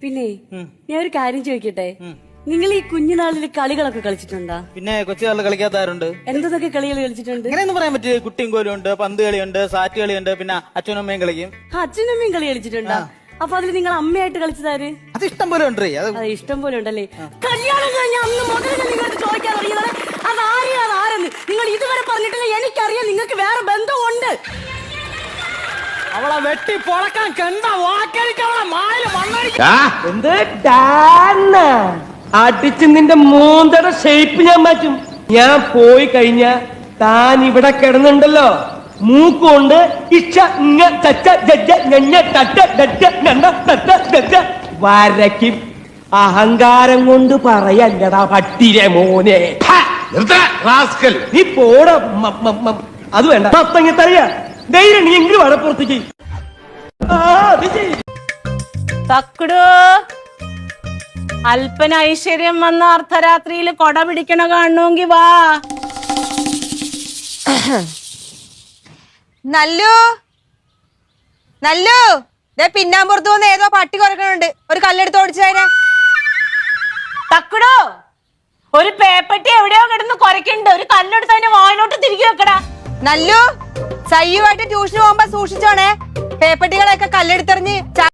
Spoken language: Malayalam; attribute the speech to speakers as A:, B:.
A: പിന്നെ ഞാൻ ഒരു കാര്യം ചോദിക്കട്ടെ, നിങ്ങൾ ഈ കുഞ്ഞുനാളിൽ കളികളൊക്കെ കളിച്ചിട്ടുണ്ടോ?
B: പിന്നെ കൊച്ചുകാലിൽ കളിക്കാത്തവരുണ്ട്.
A: എന്തൊക്കെ കളികൾ കളിച്ചിട്ടുണ്ട്?
B: അങ്ങനെയൊന്നും പറയാൻ പറ്റില്ല. കുട്ടിയും കോലും ഉണ്ട്, പന്ത് കളിയുണ്ട്, സാറ്റ് കളിയുണ്ട്, പിന്നെ അച്ഛനും അമ്മയും കളിക്കും.
A: അച്ഛനും അമ്മയും കളി കളിച്ചിട്ടുണ്ടോ? അപ്പൊ അതിൽ നിങ്ങൾ അമ്മയായിട്ട് കളിച്ചതാര്?
B: അത് ഇഷ്ടം പോലെ ഉണ്ട്.
A: അത് ഇഷ്ടം പോലെ ഉണ്ടല്ലേ. കല്യാണം കഴിഞ്ഞ അന്ന് മുതൽ നിങ്ങൾക്ക് ചോദിക്കാൻ തുടങ്ങിയത് അതാരെന്ന് നിങ്ങൾ ഇതുവരെ പറഞ്ഞിട്ടില്ല. എനിക്കറിയാം നിങ്ങൾക്ക് വേറെ ബന്ധമുണ്ട്.
B: അവളെ വെട്ടി പൊളക്കാൻ കണ്ട
C: അടിച്ച് നിന്റെ മൂന്തയുടെ ഷേപ്പ് ഞാൻ മാറ്റും. ഞാൻ പോയി കഴിഞ്ഞ താൻ ഇവിടെ കിടന്നുണ്ടല്ലോ, മൂക്കുകൊണ്ട് ഇച്ച ഇങ്ങ ചച്ച ജജ്ജ ഞഞ്ഞ തട്ട ഡറ്റ ഞണ്ട തട്ട ഡറ്റ വരയ്ക്കും. അഹങ്കാരം കൊണ്ട് പറയല്ലടാ പട്ടിരെ മോനെ. നീ പോട. അത് വേണ്ട, തത്തങ്ങത്തറിയാ ധൈര്യം നീ എങ്കിലും വടപ്പുറത്തേക്ക്.
D: തക്കടു അല്പന ഐശ്വര്യം വന്ന അർദ്ധരാത്രിയിൽ കൊട പിടിക്കണ കാണണമെങ്കി വാ.
E: നല്ലു നല്ലു പിന്നാമ്പുറത്ത് വന്ന് ഏതോ പട്ടി കുറക്കണുണ്ട്. ഒരു കല്ലെടുത്ത് ഓടിച്ചതിനെ.
D: തക്കടു ഒരു പേപ്പട്ടി എവിടെയോ കിടന്ന് കുറയ്ക്കുന്നുണ്ട്. ഒരു കല്ലെടുത്ത് അതിന്റെ വായിലോട്ട് തിരികെ വെക്കടാ.
E: നല്ലു സയ്യുമായിട്ട് ട്യൂഷന് പോകുമ്പോ സൂക്ഷിച്ചോണേ. പേപ്പട്ടികളെയൊക്കെ കല്ലെടുത്തെറിഞ്ഞ്